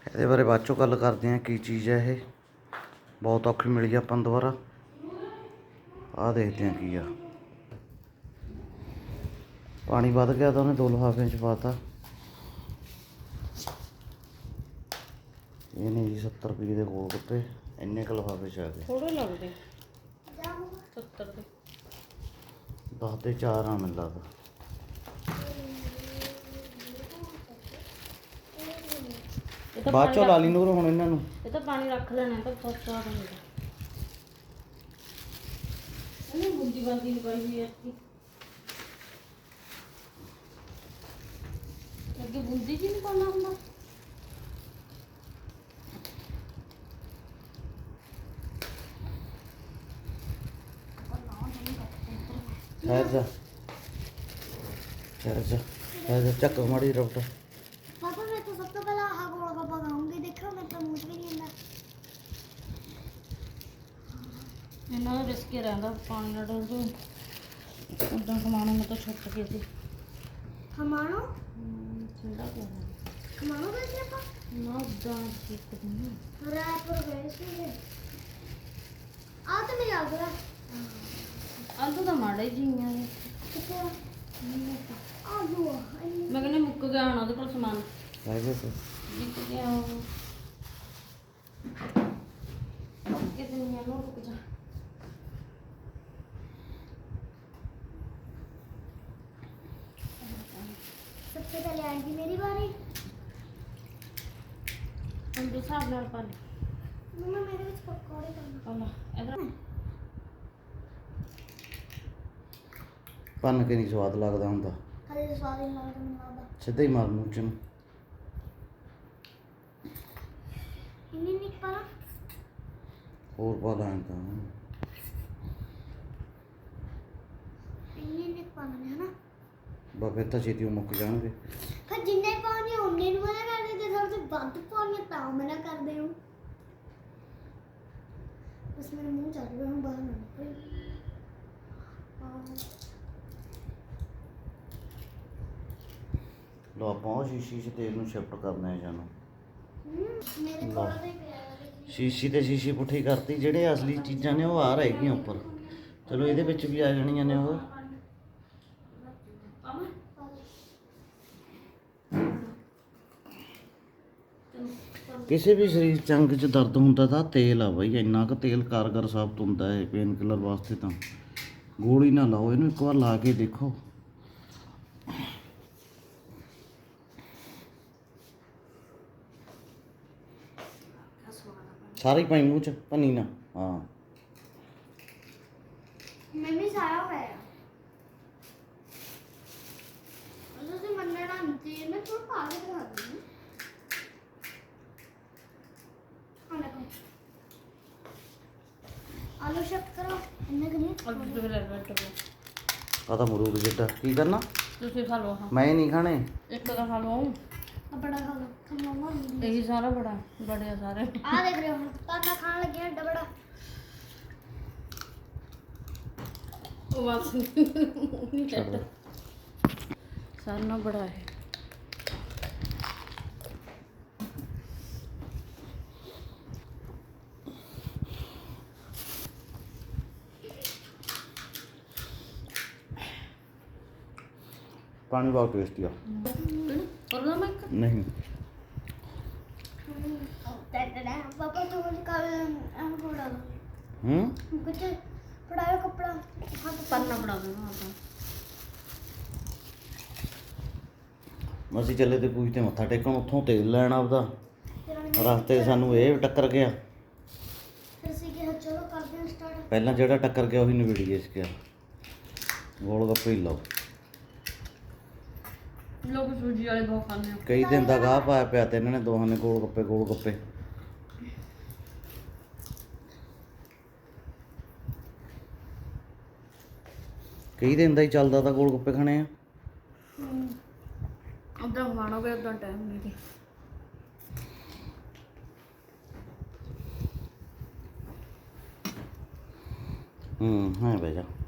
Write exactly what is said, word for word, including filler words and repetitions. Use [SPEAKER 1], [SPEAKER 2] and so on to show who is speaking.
[SPEAKER 1] ਇਹਦੇ ਬਾਰੇ ਬਾਅਦ ਚੋਂ ਗੱਲ ਕਰਦੇ ਹਾਂ ਕੀ ਚੀਜ਼ ਹੈ ਇਹ। ਬਹੁਤ ਔਖੀ ਮਿਲੀ ਆਪਾਂ ਨੂੰ ਦੁਬਾਰਾ। ਆਹ ਦੇਖਦੇ ਹਾਂ ਕੀ ਆ। ਪਾਣੀ ਵੱਧ ਗਿਆ ਤਾਂ ਉਹਨੇ ਦੋ ਲਿਫਾਫਿਆਂ 'ਚ ਪਾਤਾ। ਇਹ ਨੇ ਜੀ ਸੱਤਰ ਰੁਪਏ ਦੇ ਗੋਲ ਗੱਪੇ, ਇੰਨੇ ਕੁ ਲਿਫਾਫੇ 'ਚ ਆ ਗਏ।
[SPEAKER 2] ਥੋੜੇ ਲੱਗਦੇ ਸੱਤਰ ਦੇ।
[SPEAKER 1] ਦਸ ਦੇ ਚਾਰ ਆ ਮੈਨੂੰ ਲੱਗਦਾ। ਬਾਅਦ ਚੋਂ ਲਾ ਲਈ ਨੂਰ ਹੁਣ ਇਹਨਾਂ ਨੂੰ।
[SPEAKER 2] ਇਹ ਤਾਂ ਪਾਣੀ ਰੱਖ ਲੈਣਾ ਤਾਂ ਫਸਟ ਆ ਜਾਂਦਾ। ਇਹਨੇ ਬੁੱਧੀ ਬਾਦੀ ਨਹੀਂ ਪਾਈ ਹੋਈ ਐ। ਅੱਗੇ ਬੁੱਧੀ ਜੀ ਨਹੀਂ ਪਾਉਣਾ ਹੁੰਦਾ।
[SPEAKER 1] ठहर जा ठहर जा ठहर जा चक माड़ी रबट।
[SPEAKER 3] पापा मैं तो सबसे पहले आहा गोलगप्पा खाऊंगी। देखो मैं तो मुंह भी नहीं अंदर।
[SPEAKER 2] ਇਹਨਾਂ ਦਾ ਰਿਸਕ ਰਹਿੰਦਾ ਪਾਣੀ ਨਾਲ ਡੋਲ ਦੋ ਉਦਾਂ ਕਮਾਣਾ ਮੈਂ ਤਾਂ ਛੁੱਟ ਗਈ ਸੀ।
[SPEAKER 3] हमारो
[SPEAKER 2] ਠੰਡਾ ਪਿਆ
[SPEAKER 3] हमारो कैसे पापा
[SPEAKER 2] ਨਾ ਉਦਾਂ ਠੀਕ ਨਹੀਂ।
[SPEAKER 3] रायपुर गए थे आ तो मेरी आ गया।
[SPEAKER 2] ਆਲੂ ਤਾਂ ਮਾੜਾ ਹੀ ਜੀਆਂ ਨੇ।
[SPEAKER 3] कितने आलू
[SPEAKER 2] ਮੈਂ ਕਹਿੰਦੀ ਮੁੱਕ ਗਿਆ ਹੁਣ ਉਹਦੇ ਕੋਲ ਸਮਾਨ।
[SPEAKER 1] रह गए तो
[SPEAKER 2] ਜਿੱਕ ਗਿਆ ਉਹ ਕਿਤੇ ਨਹੀਂ ਆਲੂ ਰੁਕ ਜਾ।
[SPEAKER 3] सबसे पहले आएगी मेरी बारी।
[SPEAKER 2] ਹੁਣ ਦੇ ਹਿਸਾਬ ਨਾਲ ਪਾ ਲੈ।
[SPEAKER 3] मम्मा मेरे कुछ पकौड़े करना।
[SPEAKER 2] ਆਲਾ ਇਧਰ
[SPEAKER 1] ਭੰਨ ਕੇ ਨਹੀਂ ਸਵਾਦ ਲੱਗਦਾ ਹੁੰਦਾ।
[SPEAKER 3] खाली स्वाद ही लगा तो मिला दा।
[SPEAKER 1] ਸਿੱਧਾ ਹੀ ਮਾਰ ਮੂੰਹ 'ਚ ਨੂੰ।
[SPEAKER 3] इन्हीं निक पाला
[SPEAKER 1] ਹੋਰ ਪਾ ਦਾਂ ਤਾਂ
[SPEAKER 3] इन्हीं निक पाला है ना।
[SPEAKER 1] ਬਾ ਫਿਰ ਤਾਂ ਛੇਤੀ ਉਹ ਮੁੱਕ ਜਾਣਗੇ।
[SPEAKER 3] फिर जिन्ने पानी उन्ने नु मना कर देते सबसे बंद पानी ता मना कर दे हूं। बस मेरे मुंह चल रहा हूं बाहर ना निकल।
[SPEAKER 1] ਲੋ ਆਪਾਂ ਉਹ ਸ਼ੀਸ਼ੀ 'ਚ ਤੇਲ ਨੂੰ ਸ਼ਿਫਟ ਕਰਨਾ ਹੈ ਜਾਨੂੰ।
[SPEAKER 3] मेरे
[SPEAKER 1] लो।
[SPEAKER 3] कोल भी पिया
[SPEAKER 1] ਸ਼ੀਸ਼ੀ ਤੇ ਸ਼ੀਸ਼ੀ ਪੁੱਠੀ ਕਰਤੀ। ਜਿਹੜੇ ਅਸਲੀ ਚੀਜ਼ਾਂ ਨੇ ਉਹ ਆ ਰਹਿ ਗਈਆਂ ਉੱਪਰ। ਚਲੋ ਇਹਦੇ ਵਿੱਚ ਵੀ ਆ ਜਾਣੀਆਂ ਨੇ ਉਹ। ਕਿਸੇ ਵੀ ਸਰੀਰ ਚ ਅੰਗ 'ਚ ਦਰਦ ਹੁੰਦਾ ਤਾਂ ਤੇਲ ਆ ਬਈ। ਇੰਨਾ ਕੁ ਤੇਲ ਕਾਰਗਰ ਸਾਬਤ ਹੁੰਦਾ ਹੈ ਪੇਨ ਕਿਲਰ ਵਾਸਤੇ। ਤਾਂ ਗੋਲੀ ਨਾ ਲਾਓ, ਇਹਨੂੰ ਇੱਕ ਵਾਰ ਲਾ ਕੇ ਦੇਖੋ। ਸਾਰੀ ਪਾਈ ਮੂੰਹ 'ਚ, ਭੰਨੀ ਨਾ। ਹਾਂ
[SPEAKER 3] मैं भी सारा पाया। मतलब से मनना नहीं मैं थोड़ा आगे दिखा दूं। हां देखो आलू शिफ्ट करो इन्ने के लिए।
[SPEAKER 2] ਆਲੂ ਦੇ ਲੈ ਬੈਠ ਗਏ।
[SPEAKER 1] ਆ ਤਾਂ ਮਰੂਦ ਜਿੱਡਾ। ਕੀ ਕਰਨਾ?
[SPEAKER 2] ਤੁਸੀਂ ਖਾ ਲਓ। ਹਾਂ
[SPEAKER 1] ਮੈਂ ਨਹੀਂ ਖਾਣੇ।
[SPEAKER 2] ਇੱਕ ਤਾਂ ਖਾ ਲਓ।
[SPEAKER 3] अब बड़ा खा लो तुम मम्मा।
[SPEAKER 2] ਇਹੀ ਸਾਰਾ ਬੜਾ ਬੜੇ ਆ ਸਾਰੇ।
[SPEAKER 3] आ देख रहे हो ताना खाने लगे हैं बड़ा।
[SPEAKER 2] ਉਹ ਬਸ ਨਹੀਂ ਚੱਟ ਸਾਰਾ ਨਾ ਬੜਾ ਹੈ।
[SPEAKER 1] ਪਾਣੀ ਬਹੁਤ ਟੇਸਟੀ ਆ।
[SPEAKER 2] और ना मैं
[SPEAKER 1] ਨਹੀਂ
[SPEAKER 3] पापा तो मुझे कल हम को डालो
[SPEAKER 1] ਹੂੰ
[SPEAKER 3] कुछ पढ़ाओ कपड़ा हाथ
[SPEAKER 2] पन्ना पड़ा देना आता।
[SPEAKER 1] ਅਸੀਂ ਚੱਲੇ ਤੇ ਪੂਜ ਤੇ ਮੱਥਾ ਟੇਕਣ। ਉੱਥੋਂ ਤੇਲ ਲੈਣ ਆਪਦਾ। ਰਸਤੇ 'ਚ ਸਾਨੂੰ ਇਹ ਟੱਕਰ ਗਿਆ।
[SPEAKER 3] फिर से कि चलो करते हैं स्टार्ट।
[SPEAKER 1] ਪਹਿਲਾਂ ਜਿਹੜਾ ਟੱਕਰ ਗਿਆ ਉਹੀ ਨਵੇੜੀ ਗਿਆ। ਇਸ ਗਿਆ ਗੋਲ ਗੱਪੇ ਹੀ ਲਾਓ।
[SPEAKER 2] लोग सूजी वाले बहुत खाते हैं।
[SPEAKER 1] ਕਈ ਦਿਨ ਦਾ ਗਾਹ ਪਾਇਆ ਪਿਆ ਤੇ ਇਹਨਾਂ ਨੇ ਦੋਹਾਂ ਨੇ ਗੋਲ ਗੱਪੇ ਗੋਲ ਗੱਪੇ। ਕਈ ਦਿਨ ਦਾ ਹੀ ਚੱਲਦਾ ਤਾਂ ਗੋਲ ਗੱਪੇ ਖਾਣੇ ਆ।
[SPEAKER 2] उधर खाना गया उधर टाइम नहीं थी।
[SPEAKER 1] ਹੂੰ ਹਾਂ ਬਹਿ ਜਾ।